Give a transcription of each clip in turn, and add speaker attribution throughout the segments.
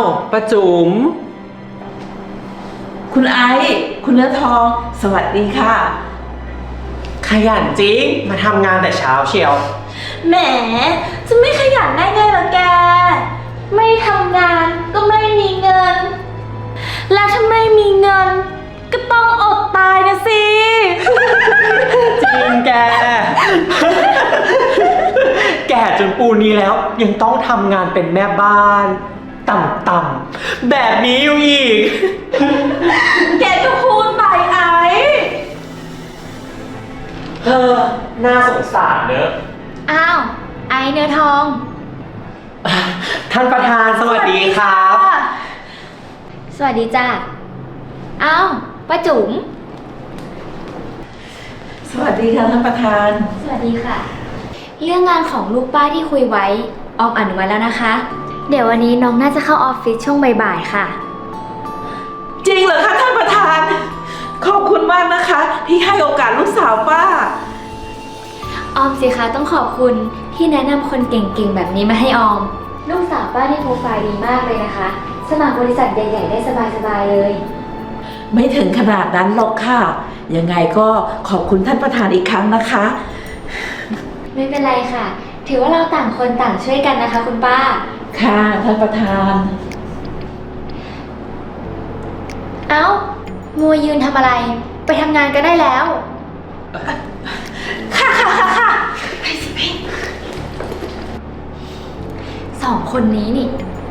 Speaker 1: ป้าจุ๋ม
Speaker 2: คุณไอซ์คุณเนื้อทอง สวัสดีค่ะ
Speaker 1: ขยันจริงมาทำงานแต่เช้าเชียว
Speaker 3: แหมจะไม่ขยันได้ไงล่ะแก ไม่ทำงานก็ไม่มีเงิน และถ้าไม่มีเงิน ก็ต้องอดตายนะสิ
Speaker 1: จริงแก แก่จนปูนี้แล้วยังต้องทำงานเป็นแม่บ้าน ต่ำๆแบบนี้อยู่อีก
Speaker 3: แกก็พูดไปไอ้
Speaker 1: เออน่าสงสารเนอะ
Speaker 3: อ้าว ไอ้เนื้อทอง
Speaker 1: ท่านประธานสวัสดีครับ
Speaker 3: สวัสดีจ้ะอ้าวป้าจุ๋ม
Speaker 2: สวัสดีค่ะท่านประธาน
Speaker 3: สวัสดีค่ะ เรื่องงานของลูกป้าที่คุยไว้ออมอนุมัติแล้วนะคะ เดี๋ยววันนี้น้องน่าจะเข้าออฟฟิศช่วงบ่ายๆค่ะ
Speaker 2: จริงเหรอคะท่านประธาน ขอบคุณมากนะคะ ที่ให้โอกาสลูกสาวป้า
Speaker 3: ออมสิคะต้องขอบคุณที่แนะนำคนเก่งๆแบบนี้มาให้ออม ลูกสาวป้าที่โปรไฟล์ดีมากเลยนะคะ สมัครบริษัทใหญ่ๆได้สบายๆเลย
Speaker 2: ไม่ถึงขนาดนั้นหรอกค่ะ ยังไงก็ขอบคุณท่านประธานอีกครั้งนะคะ
Speaker 3: ไม่เป็นไรค่ะ ถือว่าเราต่างคนต่างช่วยกันนะคะคุณป้า
Speaker 2: ค่ะท่านประธาน
Speaker 3: เอ้ามัวยืนทำอะไร ไปทำงานก็ได้แล้ว ค่ะไปสิไปสองคนนี้นี่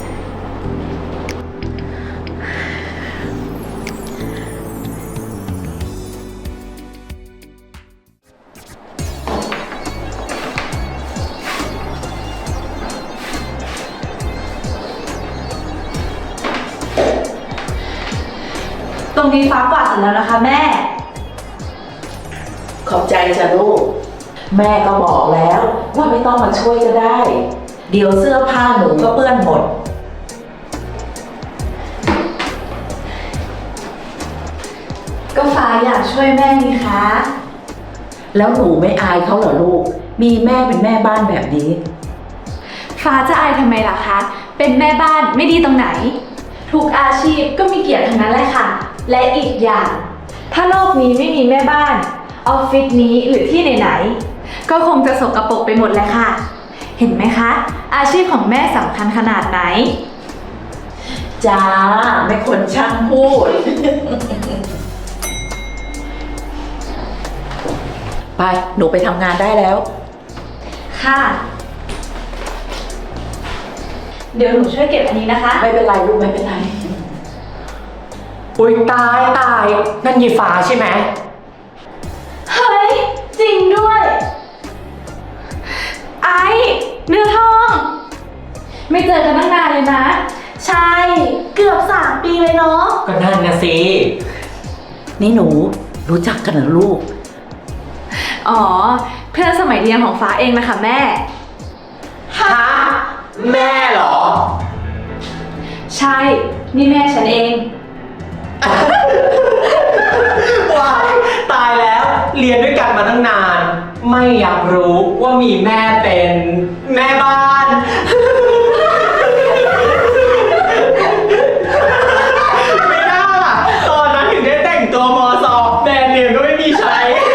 Speaker 4: ตรงนี้ฟ้ากวาดเสร็จแล้วนะคะแม่
Speaker 2: ขอบใจจ้ะลูก แม่ก็บอกแล้วว่าไม่ต้องมาช่วยก็ได้ เดี๋ยวเสื้อผ้าหนูก็เปื้อนหมด
Speaker 4: ก็ฟ้าอยากช่วยแม่นี่คะ
Speaker 2: แล้วหนูไม่อายเขาเหรอลูก มีแม่เป็นแม่บ้านแบบนี้
Speaker 4: ฟ้าจะอายทำไมล่ะคะ เป็นแม่บ้านไม่ดีตรงไหน ทุกอาชีพก็มีเกียรติทั้งนั้นแหละค่ะ และอีกอย่าง ถ้าโลกนี้ไม่มีแม่บ้าน ออฟฟิศนี้หรือที่ไหนๆ ก็คงจะสกปรกไปหมดแหละค่ะ เห็นไหมคะ อาชีพของแม่สำคัญขนาดไหน
Speaker 2: จ้าไม่คนช่างพูด ไปหนูไปทำงานได้แล้ว
Speaker 4: ค่ะ เดี๋ยวหนูช่วยเก็บอันนี้นะคะ
Speaker 2: ไม่เป็นไรลูกไม่เป็นไร
Speaker 1: อุ้ยตายนั่นยีฟ้าใช่ไหม
Speaker 4: เฮ้ย จริงด้วย ไอเนื้อทอง ไม่เจอกันตั้งนานเลยนะ
Speaker 3: ใช่ เกือบ3 ปีเลยเนาะ
Speaker 1: ก็นั่นนะสิ
Speaker 2: นี่หนูรู้จักกันเหรอลูก
Speaker 4: อ๋อ เพื่อนสมัยเรียนของฟ้าเองนะคะแม่
Speaker 1: ฮะ แม่เหรอ
Speaker 4: ใช่ นี่แม่ฉันเอง
Speaker 1: ว้ายตายแล้วเรียนด้วยกันมาตั้งนาน ไม่อยากรู้ว่ามีแม่เป็นแม่บ้าน ไม่น่าล่ะ ตอนนั้นถึงได้แต่งตัวมอสอบแบรนด์เนมก็ไม่มีใช้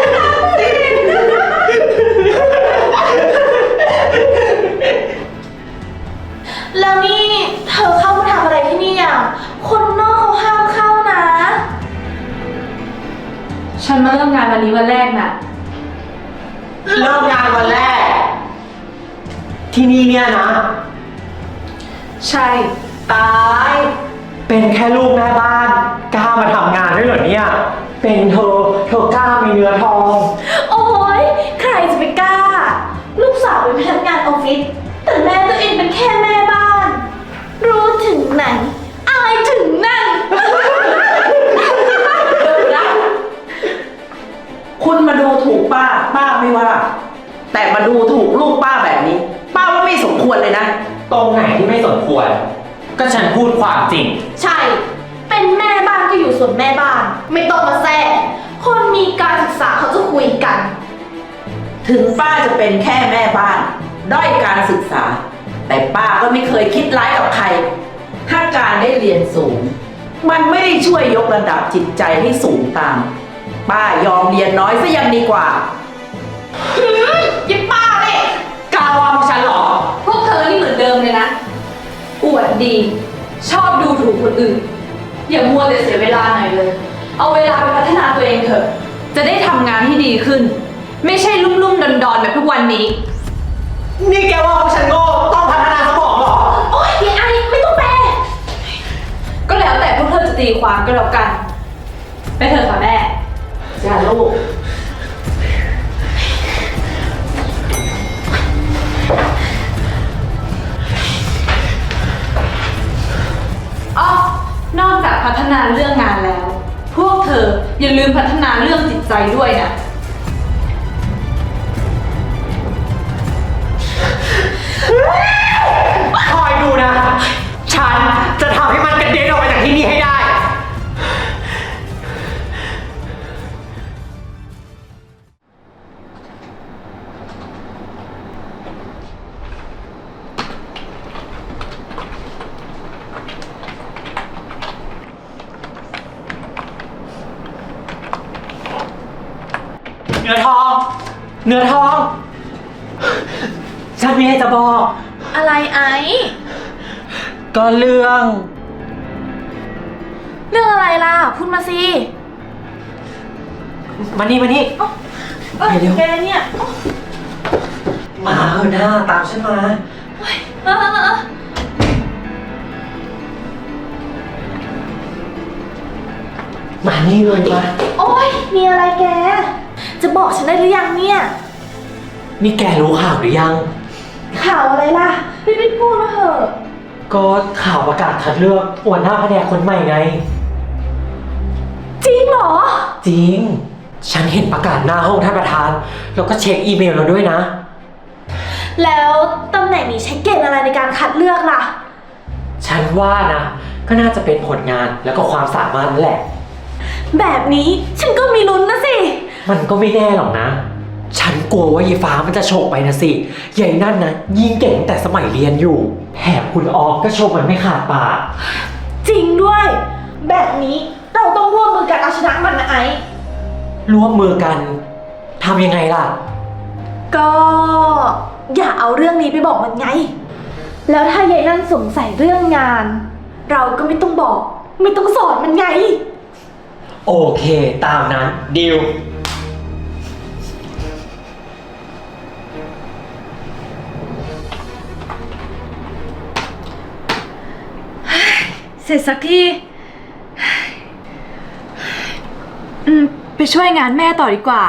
Speaker 3: แล้วนี่เธอเข้ามาทำอะไรที่นี่อ่ะ คนนอกเขาห้ามเข้านะ
Speaker 4: ฉันมาเริ่มงานวันนี้วันแรกน่ะ
Speaker 1: เริ่มงานวันแรก ที่นี่เนี่ยนะ
Speaker 4: ใช่
Speaker 1: ตาย เป็นแค่ลูกแม่บ้านกล้ามาทำงานด้วยเหรอเนี่ย เป็นเธอกล้ามีเนื้อทอง
Speaker 3: โอ้ยใครจะไปกล้า ลูกสาวเป็นพนักงานออฟฟิศ แต่แม่ตัวเองเป็นแค่แม่บ้าน รู้ถึงไหน อายถึงนั่น
Speaker 2: คุณมาดูถูกป้า ป้าไม่ว่า แต่มาดูถูกลูกป้าแบบนี้ ป้าว่าไม่สมควรเลยนะ
Speaker 1: ตรงไหนที่ไม่สมควร ก็ฉันพูดความจริง
Speaker 3: ใช่ เป็นแม่บ้านก็อยู่ส่วนแม่บ้าน ไม่ต้องมาแซ่คนมีการศึกษาเขาจะคุยกัน
Speaker 2: ถึงป้าจะเป็นแค่แม่บ้าน ด้อยการศึกษา แต่ป้าก็ไม่เคยคิดร้ายกับใคร ถ้าการรียนสูง มันไม่ได้ช่วยยกระดับจิตใจให้สูงตาม ป้ายอมเรียนน้อยซะยังดีกว่า
Speaker 4: ยิบป้าเลย
Speaker 1: กล้าว่าพวกฉันเหรอ
Speaker 4: พวกเธอนี่เหมือนเดิมเลยนะ อวดดี ชอบดูถูกคนอื่น อย่ามัวแต่เสียเวลาหน่อยเลย เอาเวลาไปพัฒนาตัวเองเถอะ จะได้ทำงานที่ดีขึ้น ไม่ใช่ลุ่มๆดอนๆแบบทุกวันนี้
Speaker 1: นี่แกว่าพวกฉันโง่ต้องพัฒนาสมองเหรอ
Speaker 3: โอ๊ยยายไอไม่ต้องแปล
Speaker 4: ก็แล้วแต่พวกเธอจะตีความก็แล้วกัน ไปเถอะค่ะแม่
Speaker 2: จ้าลูก
Speaker 4: อ๋อนอกจากพัฒนาเรื่องงานแล้ว พวกเธออย่าลืมพัฒนาเรื่องจิตใจด้วยนะ
Speaker 1: คอยดูนะ ฉันจะทำให้มันกระเด็นออกไปจากที่นี่ให้ได้ เนื้อทอง เนื้อทอง ฉันมีอะไรจะบอก
Speaker 3: อะไรไอ
Speaker 1: ก็เรื่อง
Speaker 3: เรื่องอะไรล่ะ พูดมาสิ
Speaker 1: มานี่ เดี๋ยว
Speaker 3: แกเนี่ย
Speaker 1: มาเถอะหน้าตามฉันมา
Speaker 3: เออ
Speaker 1: มานี่เลยมา
Speaker 3: โอ๊ย มีอะไรแก จะบอกฉันได้หรือยังเนี่ย
Speaker 1: นี่แกรู้ข่าวหรือยัง
Speaker 3: ข่าวอะไรล่ะรีบๆพูดมาเถอะ
Speaker 1: ก็ข่าวประกาศคัดเลือกหัวหน้าแผนกคนใหม่ไง
Speaker 3: จริงเหรอ
Speaker 1: จริง ฉันเห็นประกาศหน้าห้องท่านประธาน แล้วก็เช็คอีเมลเราด้วยนะ
Speaker 3: แล้วตำแหน่งนี้ใช้เกณฑ์อะไรในการคัดเลือกล่ะ
Speaker 1: ฉันว่านะ ก็น่าจะเป็นผลงานแล้วก็ความสามารถนั่นแหละ
Speaker 3: แบบนี้ฉันก็มีลุ้นนะสิ
Speaker 1: มันก็ไม่แน่หรอกนะ ฉันกลัวว่ายายฟ้ามันจะโฉกไปนะสิยายนั่นนะยิ่งเก่งแต่สมัยเรียนอยู่แถมคุณออมก็โชว์มันไม่ขาดปาก
Speaker 3: จริงด้วย แบบนี้เราต้องร่วมมือกันเอาชนะมันนะไอ้
Speaker 1: ร่วมมือกันทำยังไงล่ะ
Speaker 3: ก็อย่าเอาเรื่องนี้ไปบอกมันไง แล้วถ้ายายนั่นสงสัยเรื่องงาน เราก็ไม่ต้องบอก ไม่ต้องสอนมันไง
Speaker 1: โอเค ตามนั้นดิว
Speaker 4: เสร็จสักที ไปช่วยงานแม่ต่อดีกว่า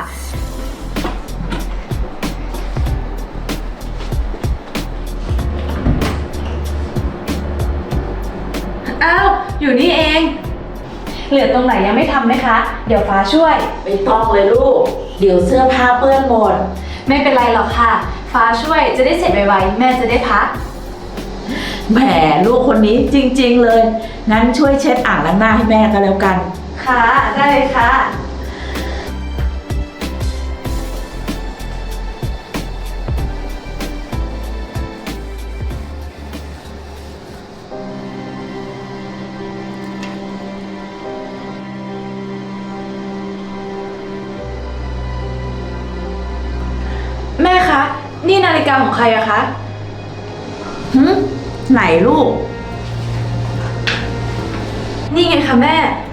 Speaker 4: อ้าว อยู่นี่เอง เหลือตรงไหนยังไม่ทำไหมคะ เดี๋ยวฟ้าช่วย
Speaker 2: ไม่ต้องเลยลูก เดี๋ยวเสื้อผ้าเปื้อนหมด
Speaker 4: ไม่เป็นไรหรอกค่ะ ฟ้าช่วยจะได้เสร็จไวๆแม่จะได้พัก
Speaker 2: แหมลูกคนนี้จริงๆเลย งั้นช่วยเช็ดอ่างล้างหน้าให้แม่ก็แล้วกัน
Speaker 4: ค่ะ ได้เลยค่ะ แม่คะ นี่นาฬิกาของใครอะคะ
Speaker 2: ไหนลูก
Speaker 4: นี่ไงคะแม่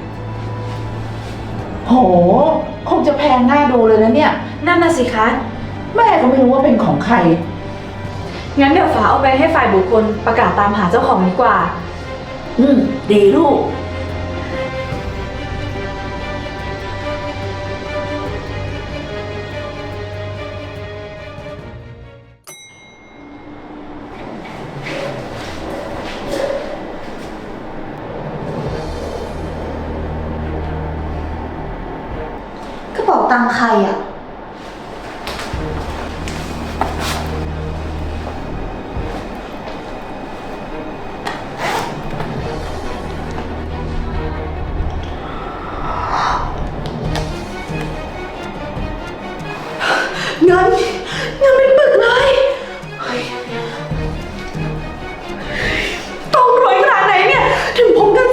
Speaker 2: โห คงจะแพงน่าดูเลยนะเนี่ย
Speaker 4: นั่นน่ะสิคะ
Speaker 2: แม่ก็ไม่รู้ว่าเป็นของใคร
Speaker 4: งั้นเดี๋ยวฟ้าเอาไปให้ฝ่ายบุคคลประกาศตามหาเจ้าของดีกว่า
Speaker 2: ดีลูก
Speaker 3: กระเป๋าตังค์ใครอ่ะ เงินเป็นปึกเลยเฮ้ยต้องรวยขนาดไหนเนี่ย ถึงพกเงิน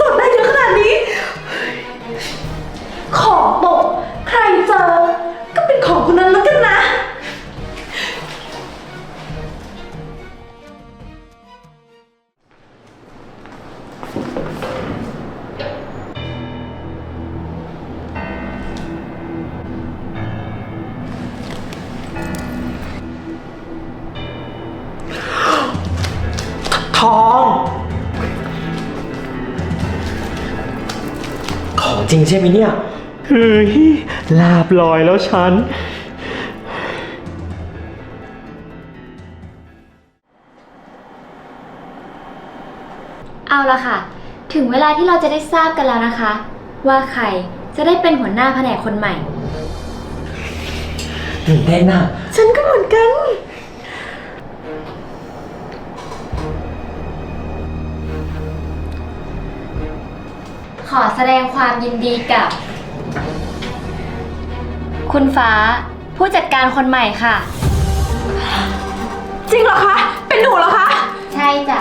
Speaker 1: จริงใช่ไหมเนี่ย เฮ้ย ลาบลอยแล้วฉัน
Speaker 3: เอาละค่ะ ถึงเวลาที่เราจะได้ทราบกันแล้วนะคะ ว่าใครจะได้เป็นหัวหน้าแผนกคนใหม่
Speaker 1: ตื่นเต้นน่ะ
Speaker 3: ฉันก็เหมือนกัน ขอแสดงความยินดีกับ คุณฟ้าผู้จัดการคนใหม่ค่ะ
Speaker 4: จริงเหรอคะ เป็นหนูเหรอคะ
Speaker 3: ใช่จ้ะ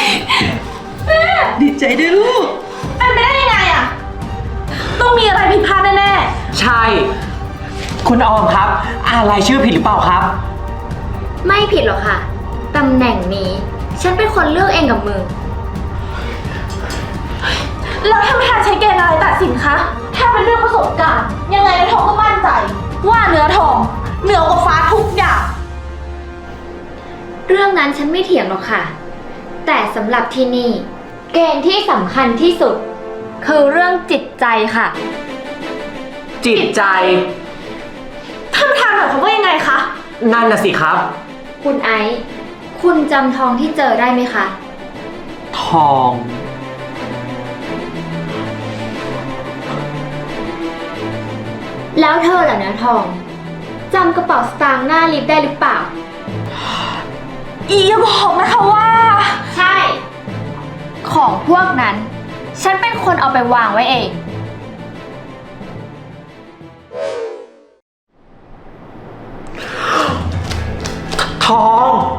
Speaker 2: ดีใจด้วยลูก
Speaker 4: เป็นไปได้ยังไงอะต้องมีอะไรผิดพลาดแน่
Speaker 1: ใช่ คุณออมครับ อ่านรายชื่อผิดหรือเปล่าครับ
Speaker 3: ไม่ผิดหรอกค่ะ ตำแหน่งนี้ ฉันเป็นคนเลือกเองกับมือ
Speaker 4: ๆแล้วท่านประธานใช้เกณฑ์อะไรตัดสินคะ ถ้าเป็นเรื่องประสบการณ์ ยังไงในทองก็มั่นใจ ว่าเนื้อทองเหนือกว่าฟ้าทุกอย่าง
Speaker 3: เรื่องนั้นฉันไม่เถียงหรอกค่ะ แต่สำหรับที่นี่ เกณฑ์ที่สำคัญที่สุด คือเรื่องจิตใจค่ะ
Speaker 1: จิตใจ
Speaker 4: ท่านประธานหมายความว่ายังไงคะ
Speaker 1: นั่นน่ะสิครับ
Speaker 3: คุณไอซ์คุณจำทองที่เจอได้ไหมคะ
Speaker 1: ทอง
Speaker 3: แล้วเธอล่ะเนื้อทองจำกระเป๋าสตางค์หน้าลิฟต์ได้หรือเปล่า
Speaker 4: อย่าบอกนะคะว่า
Speaker 3: ใช่ ของพวกนั้น ฉันเป็นคนเอาไปวางไว้เอง
Speaker 1: ทอง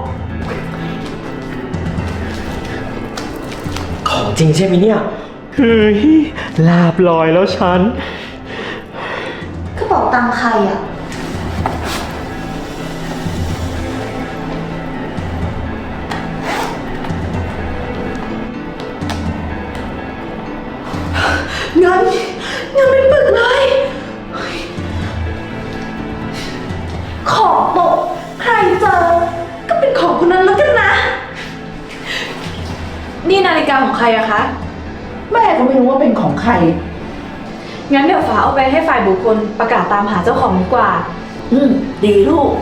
Speaker 1: ของจริงใช่ไหมเนี่ย เฮ้ย ลาบลอยแล้วฉัน
Speaker 4: กระเป๋าตังค์ใครอะเงินเป็นปึกเลยของตกใครเจอ ก็เป็นของคนนั้นแล้วกันนะ นี่นาฬิกาของใครอะคะ
Speaker 2: แม่ก็ไม่รู้ว่าเป็นของใคร
Speaker 4: งั้นเดี๋ยวฟ้าเอาไปให้ฝ่ายบุคคลประกาศตามหาเจ้าของดีกว่า
Speaker 2: ดีลูก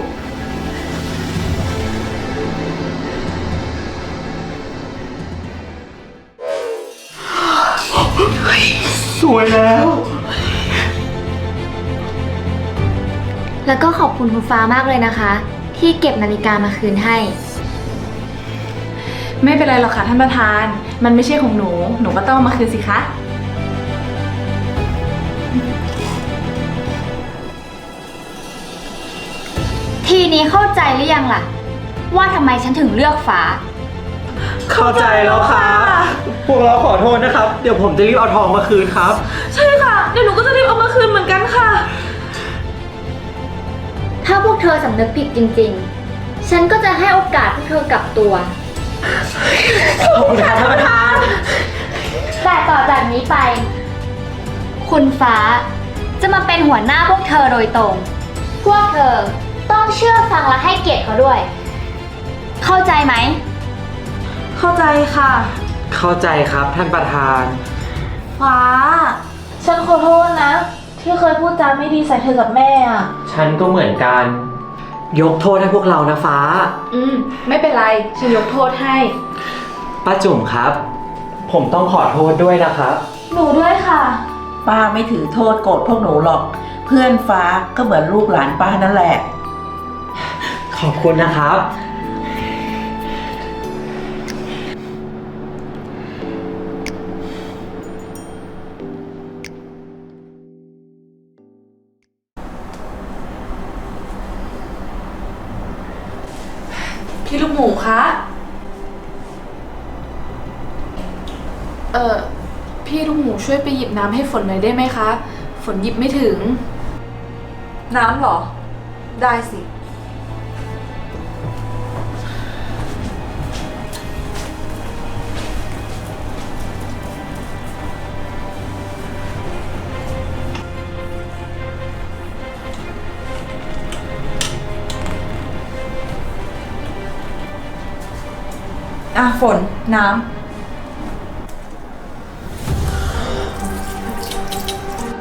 Speaker 1: สวยแล้ว
Speaker 3: แล้วก็ขอบคุณคุณฟ้ามากเลยนะคะ ที่เก็บนาฬิกามาคืนให้
Speaker 4: ไม่เป็นไรหรอกค่ะท่านประธาน มันไม่ใช่ของหนู หนูก็ต้องเอามาคืนสิคะ
Speaker 3: ทีนี้เข้าใจหรือยังล่ะ ว่าทำไมฉันถึงเลือกฟ้า
Speaker 1: เข้าใจแล้วครับ พวกเราขอโทษนะครับ เดี๋ยวผมจะรีบเอาทองมาคืนครับ
Speaker 4: ใช่ค่ะ เดี๋ยวหนูก็จะรีบเอามาคืนเหมือนกันค่ะ
Speaker 3: ถ้าพวกเธอสำนึกผิดจริงๆ ฉันก็จะให้โอกาสพวกเธอกลับตัว
Speaker 1: ขอบคุณครับท่านประธาน
Speaker 3: แต่ต่อจากนี้ไป คุณฟ้าจะมาเป็นหัวหน้าพวกเธอโดยตรง พวกเธอต้องเชื่อฟังและให้เกียรติเขาด้วย เข้าใจไหม
Speaker 4: เข้าใจค่ะ
Speaker 1: เข้าใจครับท่านประธาน
Speaker 4: ฟ้า ฉันขอโทษนะ ที่เคยพูดจาไม่ดีใส่เธอกับแม่อ่ะ
Speaker 1: ฉันก็เหมือนกัน ยกโทษให้พวกเรานะฟ้า
Speaker 4: ไม่เป็นไร ฉันยกโทษให้
Speaker 1: ป้าจุ๋มครับ ผมต้องขอโทษด้วยนะครับ
Speaker 4: หนูด้วยค่ะ
Speaker 2: ป้าไม่ถือโทษโกรธพวกหนูหรอก เพื่อนฟ้าก็เหมือนลูกหลานป้านั่นแหละ
Speaker 1: ขอบคุณนะครับ
Speaker 4: พี่ลูกหมูคะ พี่ลูกหมูช่วยไปหยิบน้ำให้ฝนหน่อยได้ไหมคะ ฝนหยิบไม่ถึง น้ำเหรอ ได้สิ ฝน น้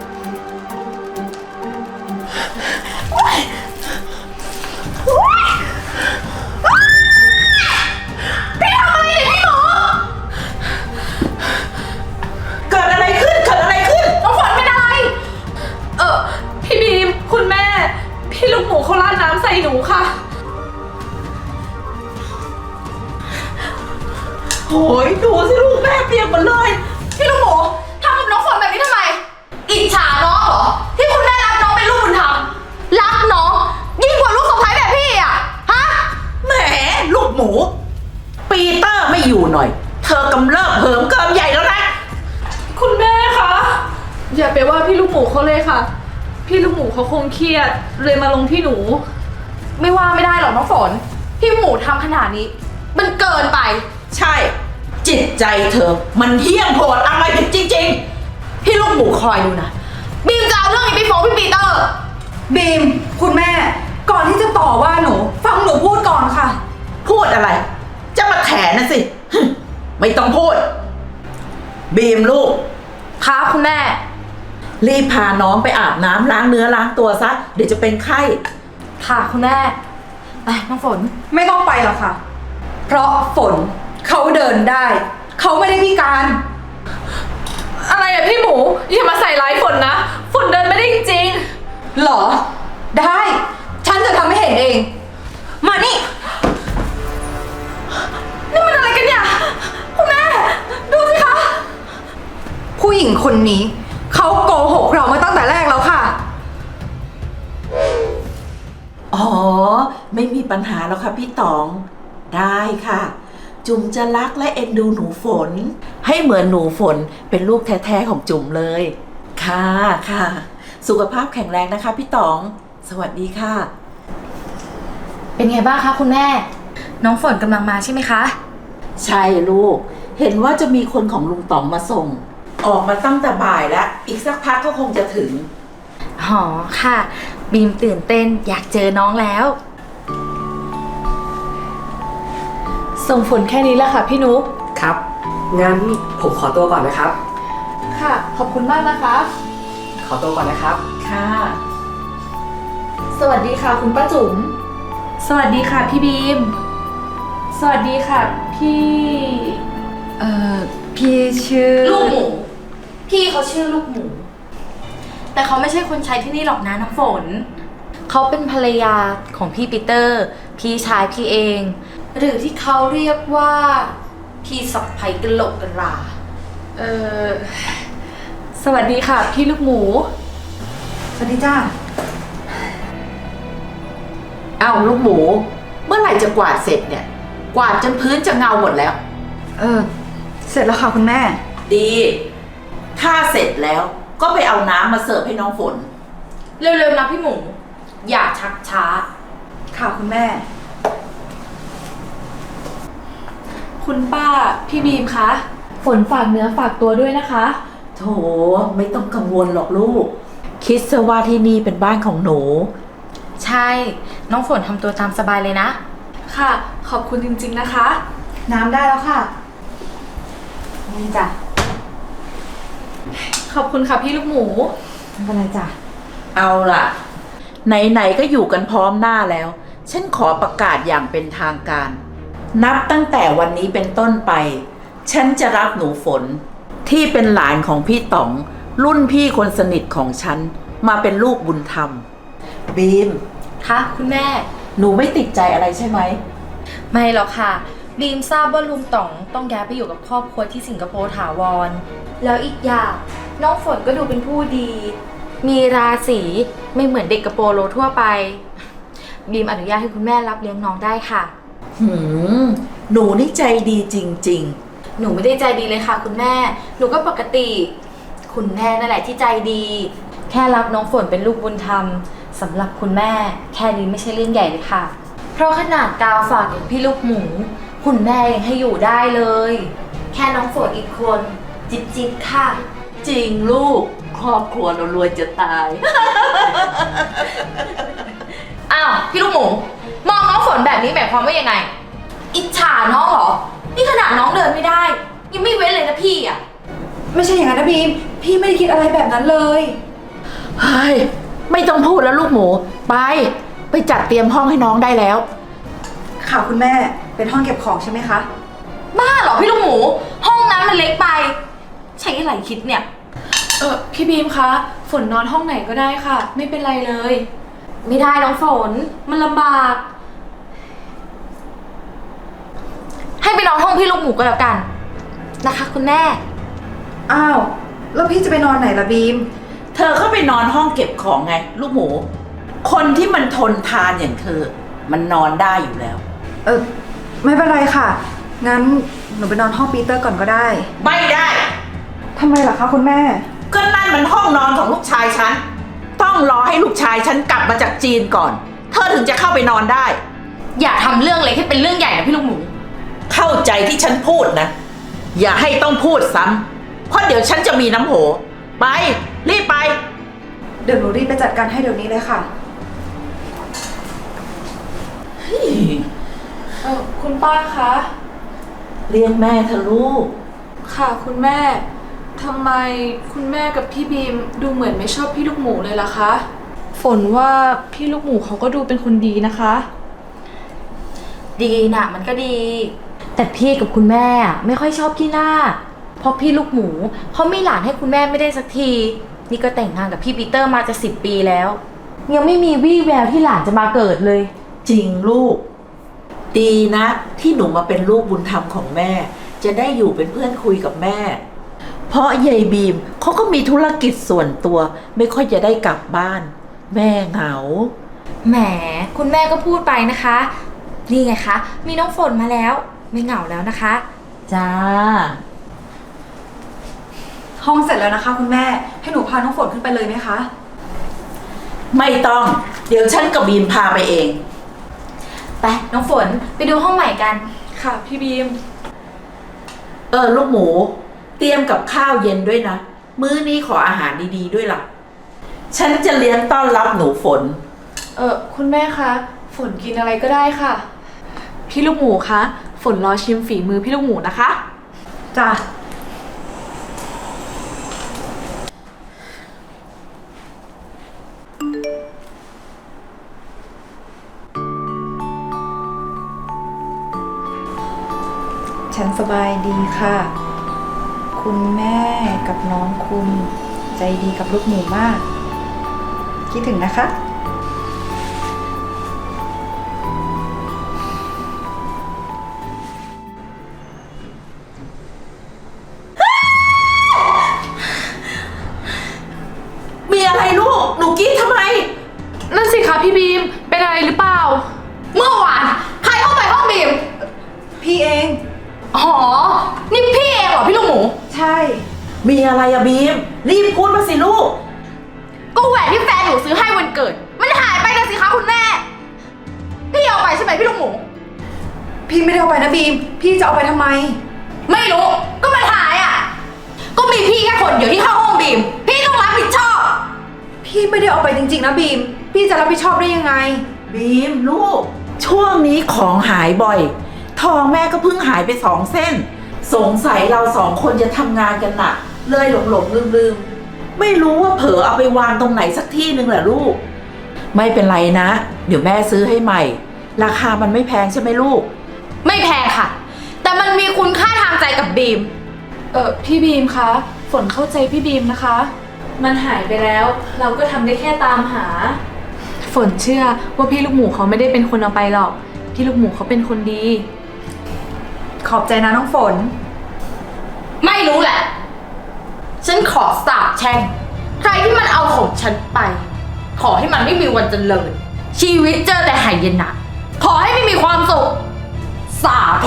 Speaker 2: ยดูสิลูกแม่เปียกหมดเลย
Speaker 4: พี่ลูกหมูทำกับน้องฝนแบบนี้ทำไม อิจฉาน้องเหรอ ที่คุณแม่รักน้องเป็นลูกบุญธรรมรักน้องยิ่งกว่าลูกสะใภ้แบบพี่อะฮะ
Speaker 2: แหมลูกหมู ปีเตอร์ไม่อยู่หน่อย เธอกำเริบเหิมเกิมใหญ่แล้วนะ
Speaker 4: คุณแม่คะอย่าไปว่าพี่ลูกหมูเขาเลยค่ะ พี่ลูกหมูเขาคงเครียดเลยมาลงที่หนู ไม่ว่าไม่ได้หรอกน้องฝนพี่หมูทำขนาดนี้ มันเกินไป
Speaker 2: ใช่ จิตใจเธอ มันเหี้ยมโหดอะไรผิดจริงๆ พี่ลูกหมูคอยดูนะ
Speaker 4: บีมจะเอาเรื่องนี้ไปฟ้องพี่ปีเตอร์
Speaker 5: บีม คุณแม่ ก่อนที่จะต่อว่าหนู ฟังหนูพูดก่อนค่ะ
Speaker 2: พูดอะไร จะมาแถนะสิ ไม่ต้องพูด บีมลูก
Speaker 4: ค่ะคุณแม่
Speaker 2: รีบพาน้องไปอาบน้ำล้างเนื้อล้างตัวซะ เดี๋ยวจะเป็นไข้
Speaker 4: ค่ะคุณแม่ ไปน้องฝน
Speaker 5: ไม่ต้องไปหรอกค่ะ เพราะฝนเขาเดินได้ เขาไม่ได้พิการ
Speaker 4: อะไรอะพี่หมูอย่ามาใส่ร้ายฝนนะ ฝนเดินไม่ได้จริง
Speaker 5: หรอ ได้ ฉันจะทำให้เห็นเอง มานี่
Speaker 4: นี่มันอะไรกันเนี่ย คุณแม่ ดูสิคะ
Speaker 5: ผู้หญิงคนนี้ เขาโกหกเรามาตั้งแต่แรกแล้วค่ะ
Speaker 2: อ๋อ ไม่มีปัญหาแล้วค่ะพี่ต๋อง ได้ค่ะ จุ๋มจะรักและเอ็นดูหนูฝน ให้เหมือนหนูฝนเป็นลูกแท้ๆของจุ๋มเลย ค่ะค่ะ สุขภาพแข็งแรงนะคะพี่ต๋อง สวัสดีค่ะ
Speaker 4: เป็นไงบ้างคะคุณแม่ น้องฝนกำลังมาใช่ไหมคะ
Speaker 2: ใช่ลูก เห็นว่าจะมีคนของลุงต๋องมาส่ง ออกมาตั้งแต่บ่ายแล้ว อีกสักพักก็คงจะถึง
Speaker 4: อ๋อค่ะ บีมตื่นเต้นอยากเจอน้องแล้ว ส่งฝนแค่นี้แหละค่ะพี่นุ๊ก
Speaker 1: ครับ งั้นผมขอตัวก่อนนะครับ
Speaker 4: ค่ะ ขอบคุณมากนะคะ
Speaker 1: ขอตัวก่อนนะครับ
Speaker 2: ค่ะ
Speaker 4: สวัสดีค่ะคุณป้าจุ๋ม สวัสดีค่ะพี่บีม สวัสดีค่ะพี่
Speaker 5: พี่ชื่อ
Speaker 4: ลูกหมู พี่เขาชื่อลูกหมู แต่เขาไม่ใช่คนใช้ที่นี่หรอกนะน้ำฝน เขาเป็นภรรยาของพี่ปีเตอร์ พี่ชายพี่เอง หรือที่เขาเรียกว่า พี่สะใภ้กะโหลกกะลา สวัสดีค่ะพี่ลูกหมู
Speaker 5: สวัสดีจ้า
Speaker 2: เอาลูกหมู เมื่อไหร่จะกวาดเสร็จเนี่ย กวาดจนพื้นจะเงาหมดแล้ว
Speaker 5: เสร็จแล้วค่ะคุณแม่
Speaker 2: ดี ถ้าเสร็จแล้วก็ไปเอาน้ำมาเสิร์ฟให้น้องฝน
Speaker 4: เร็วๆนะพี่หมู อย่าชักช้า
Speaker 5: ค่ะคุณแม่
Speaker 4: คุณป้าพี่บีมคะ ฝนฝากเนื้อฝากตัวด้วยนะคะ
Speaker 2: โถไม่ต้องกังวลหรอกลูก คิดซะว่าที่นี่เป็นบ้านของหนู
Speaker 4: ใช่ น้องฝนทำตัวตามสบายเลยนะ ค่ะ ขอบคุณจริงๆนะคะ
Speaker 5: น้ำได้แล้วค่ะ นี่จ้ะ
Speaker 4: ขอบคุณค่ะพี่ลูกหมู
Speaker 5: ไม่เป็นไรจ้ะ
Speaker 2: เอาล่ะ ไหนๆก็อยู่กันพร้อมหน้าแล้ว ฉันขอประกาศอย่างเป็นทางการ นับตั้งแต่วันนี้เป็นต้นไป ฉันจะรับหนูฝน ที่เป็นหลานของพี่ต๋อง รุ่นพี่คนสนิทของฉัน มาเป็นลูกบุญธรรม บีม
Speaker 4: ค่ะคุณแม่
Speaker 2: หนูไม่ติดใจอะไรใช่ไหม
Speaker 4: ไม่หรอกค่ะ บีมทราบว่าลุงต๋องต้องย้ายไปอยู่กับครอบครัวที่สิงคโปร์ถาวร แล้วอีกอย่างน้องฝนก็ดูเป็นผู้ดี มีราศีไม่เหมือนเด็กกระโปโลทั่วไป บีมอนุญาตให้คุณแม่รับเลี้ยงน้องได้ค่ะ
Speaker 2: หนูนี่ใจดีจริง
Speaker 4: หนูไม่ได้ใจดีเลยค่ะ คุณแม่ หนูก็ปกติ คุณแม่นั่นแหละที่ใจดี แค่รับน้องฝนเป็นลูกบุญธรรมสำหรับคุณแม่ แค่นี้ไม่ใช่เรื่องใหญ่เลยค่ะ เพราะขนาดกาวฝากอย่างพี่ลูกหมู คุณแม่ยังให้อยู่ได้เลย แค่น้องฝนอีกคนจิบจิบค่ะ
Speaker 2: ๆ จริงลูก ครอบครัวเรารวยจะตาย
Speaker 4: อ้าวพี่ลูกหมู มองน้องฝนแบบนี้หมายความว่ายังไง อิจฉาน้องเหรอ นี่ขนาดน้องเดินไม่ได้ ยังไม่เว้นเลยนะพี่อ่ะ
Speaker 5: ไม่ใช่อย่างนั้นนะบีม พี่ไม่ได้คิดอะไรแบบนั้นเลย
Speaker 2: เฮ้ย ไม่ต้องพูดแล้วลูกหมู ไปจัดเตรียมห้องให้น้องได้แล้ว
Speaker 5: ค่ะคุณแม่ เป็นห้องเก็บของใช่ไหมคะ
Speaker 4: บ้าเหรอพี่ลูกหมู ห้องนั้นมันเล็กไป ใช้อะไรคิดเนี่ย
Speaker 6: พี่บีมคะ ฝนนอนห้องไหนก็ได้ค่ะ ไม่เป็นไรเลย
Speaker 4: ไม่ได้น้องฝน มันลำบาก ให้ไปนอนห้องพี่ลูกหมูก็แล้วกันนะคะคุณแม่
Speaker 5: อ้าว แล้วพี่จะไปนอนไหนล่ะบีม
Speaker 2: เธอก็ไปนอนห้องเก็บของไง ลูกหมู คนที่มันทนทานอย่างเธอ มันนอนได้อยู่แล้ว
Speaker 5: ไม่เป็นไรค่ะ งั้นหนูไปนอนห้องปีเตอร์ก่อนก็ได้
Speaker 2: ไม่ได้
Speaker 5: ทำไมล่ะคะคุณแม่
Speaker 2: ก็นั่นมันห้องนอนของลูกชายฉัน ต้องรอให้ลูกชายฉันกลับมาจากจีนก่อน เธอถึงจะเข้าไปนอนได้
Speaker 4: อย่าทำเรื่องเล็กให้เป็นเรื่องใหญ่นะพี่ลูกหมู
Speaker 2: เข้าใจที่ฉันพูดนะ อย่าให้ต้องพูดซ้ำเพราะเดี๋ยวฉันจะมีน้ำโห ไป รีบไป
Speaker 5: เดี๋ยวหนูรีบไปจัดการให้เดี๋ยวนี้เลยค่ะ
Speaker 6: คุณป้าคะ
Speaker 2: เรียกแม่เธอลูก
Speaker 6: ค่ะคุณแม่ ทำไมคุณแม่กับพี่บีมดูเหมือนไม่ชอบพี่ลูกหมูเลยล่ะคะ ฝนว่าพี่ลูกหมูเขาก็ดูเป็นคนดีนะคะ
Speaker 4: ดีนะมันก็ดี แต่พี่กับคุณแม่ไม่ค่อยชอบขี้หน้า เพราะพี่ลูกหมูเขาไม่หลานให้คุณแม่ไม่ได้สักที นี่ก็แต่งงานกับพี่ปีเตอร์มาจะ10 ปีแล้ว ยังไม่มีวี่แววที่หลานจะมาเกิดเลย
Speaker 2: จริงลูก ดีนะ ที่หนูมาเป็นลูกบุญธรรมของแม่ จะได้อยู่เป็นเพื่อนคุยกับแม่ เพราะยายบีมเขาก็มีธุรกิจส่วนตัว ไม่ค่อยจะได้กลับบ้าน แม่เหงา
Speaker 4: แหมคุณแม่ก็พูดไปนะคะ นี่ไงคะ มีน้องฝนมาแล้ว ไม่เหงาแล้วนะคะ
Speaker 2: จ้า
Speaker 5: ห้องเสร็จแล้วนะคะ คุณแม่ ให้หนูพาน้องฝนขึ้นไปเลยไหมคะ
Speaker 2: ไม่ต้อง เดี๋ยวฉันกับบีมพาไปเอง
Speaker 4: ไปน้องฝนไปดูห้องใหม่กัน
Speaker 6: ค่ะพี่บีม
Speaker 2: ลูกหมู เตรียมกับข้าวเย็นด้วยนะ มื้อนี้ขออาหารดีๆด้วยล่ะ ฉันจะเลี้ยงต้อนรับหนูฝน
Speaker 6: คุณแม่คะ ฝนกินอะไรก็ได้ค่ะ พี่ลูกหมูคะ ฝนรอชิมฝีมือพี่ลูกหมูนะคะ
Speaker 5: จ้ะ ฉันสบายดีค่ะ คุณแม่กับน้องคุณใจดีกับลูกหมูมาก คิดถึงนะคะ
Speaker 2: มีอะไรลูก หนูกรีดทำไม
Speaker 6: นั่นสิคะพี่บีม เป็นอะไรหรือเปล่า
Speaker 4: เมื่อวานใครเข้าไปห้องบีม
Speaker 5: พี่เอง
Speaker 4: อ๋อ นี่พี่เองเหรอพี่ลูกหมู
Speaker 5: ใช่
Speaker 2: มีอะไรอะบีม รีบพูดมาสิลูก
Speaker 4: ก็แหวนที่แฟนหนูซื้อให้วันเกิด มันหายไปนะสิคะคุณแม่ พี่เอาไปใช่ไหมพี่ลูกหมู
Speaker 5: พี่ไม่ได้เอาไปนะบีม พี่จะเอาไปทำไม
Speaker 4: ไม่รู้ ก็มันหายอ่ะ ก็มีพี่แค่คนเดียวที่เข้าห้องบีม พี่ต้องรับผิดชอบ
Speaker 5: พี่ไม่ได้เอาไปจริงๆนะบีม พี่จะรับผิดชอบได้ยังไง
Speaker 2: บีมลูก ช่วงนี้ของหายบ่อย ทองแม่ก็เพิ่งหายไป2 เส้น สงสัยเรา2 คนจะทำงานกันหนักเลยหลงลืมไม่รู้ว่าเผลอเอาไปวางตรงไหนสักที่หนึ่งแหละลูก ไม่เป็นไรนะ เดี๋ยวแม่ซื้อให้ใหม่ ราคามันไม่แพงใช่ไหมลูก
Speaker 4: ไม่แพงค่ะ แต่มันมีคุณค่าทางใจกับบีม
Speaker 6: พี่บีมคะ ฝนเข้าใจพี่บีมนะคะ มันหายไปแล้ว เราก็ทำได้แค่ตามหา ฝนเชื่อว่าพี่ลูกหมูเขาไม่ได้เป็นคนเอาไปหรอก พี่ลูกหมูเขาเป็นคนดี
Speaker 5: ขอบใจนะน้องฝน
Speaker 4: ไม่รู้แหละ ฉันขอสาบแช่ง ใครที่มันเอาของฉันไป ขอให้มันไม่มีวันเจริญ ชีวิตเจอแต่หายนะ ขอให้ไม่มีความสุข สาธุ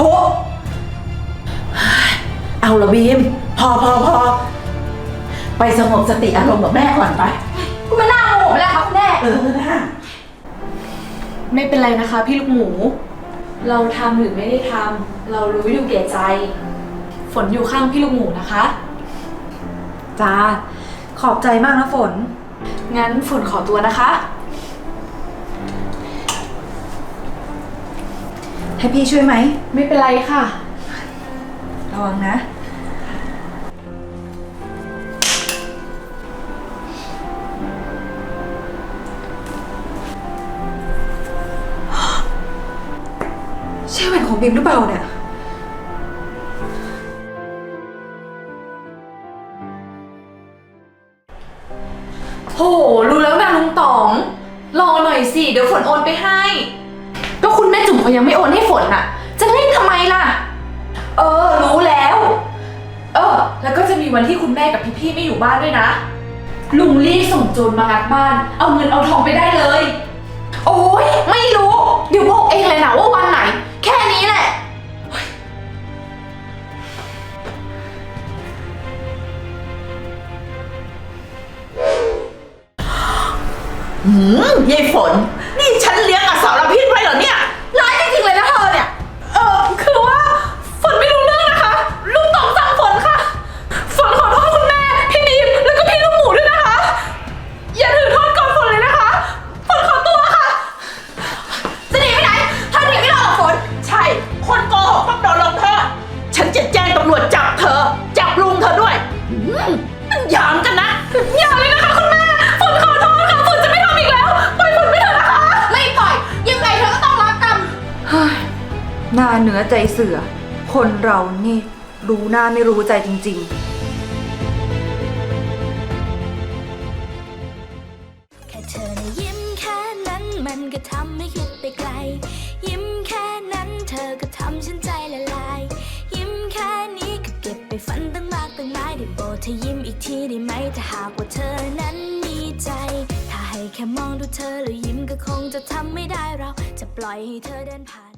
Speaker 2: เอาละบีม พอไปสงบสติอารมณ์กับแม่ก่อนไป
Speaker 4: คุณมาหน้าโมโหไปแล้วคะคุณแม่
Speaker 2: นะ
Speaker 6: ไม่เป็นไรนะคะ พี่ลูกหมู เราทำหรือไม่ได้ทำเรารู้อยู่แก่ใจ ฝนอยู่ข้างพี่ลูกหมูนะคะ
Speaker 5: จ้า ขอบใจมากนะฝน
Speaker 6: งั้นฝนขอตัวนะคะ
Speaker 5: ให้พี่ช่วยไหม
Speaker 6: ไม่เป็นไรค่ะ
Speaker 5: ระวังนะ ใช่แหวนของบีมหรือเปล่าเนี่ย
Speaker 6: โห รู้แล้วนะลุงต๋อง รอหน่อยสิ เดี๋ยวฝนโอนไปให้ ก็คุณแม่จุ๋มเขายังไม่โอนให้ฝนน่ะ จะเล่นทำไมล่ะรู้แล้ว แล้วก็จะมีวันที่คุณแม่กับพี่ๆไม่อยู่บ้านด้วยนะ ลุงรีบส่งโจรมางัดบ้าน เอาเงินเอาทองไปได้เลย โอ้ยไม่รู้ เดี๋ยวบอกเองเลยนะว่าวันไหน แค่นี้แหละ
Speaker 2: ยายฝน นี่ฉันเลี้ยงอสรพิษไว้เหรอเนี่ยร้ายจริงๆเลยนะเธอเนี่ย
Speaker 6: คือว่าฝนไม่รู้เรื่องนะคะ ลุงต๋องสั่งฝนค่ะ ฝนขอโทษคุณแม่ พี่บีมแล้วก็พี่ลูกหมูด้วยนะคะ อย่าถือโทษก่อนฝนเลยนะคะ ฝนขอตัวค่ะ
Speaker 2: จะหนีไปไหนเธอหนีไม่รอดหรอกฝน ใช่ คนโกหกต้องโดนลงโทษฉันจะแจ้งตำรวจจับเธอ จับลุงเธอด้วยมันหยามกันนะ
Speaker 6: อย่าเลยนะคะคุณแม่ ฝนขอโทษค่ะ ฝนจะไม่ทำอีกแล้ว ปล่อยฝนไปเถอะนะคะ
Speaker 2: ไม่ปล่อย ยังไงเธอก็ต้องรับกรรม
Speaker 5: หน้าเนื้อใจเสือ คนเรานี่รู้หน้าไม่รู้ใจจริงๆ
Speaker 7: แค่เธอนะยิ้มแค่นั้นมันก็ทำให้คิดไปไกล ยิ้มแค่นั้นเธอก็ทำฉันใจละลาย ยิ้มแค่นี้ก็เก็บไปฝันตั้งมากตั้งหลายได้โปรดเธอยิ้มอีกทีได้ไหมถ้าหากว่าเธอนั้นมีใจ ถ้าให้แค่มองดูเธอแล้วยิ้มก็คงจะทำไม่ได้เราจะปล่อยให้เธอเดินผ่าน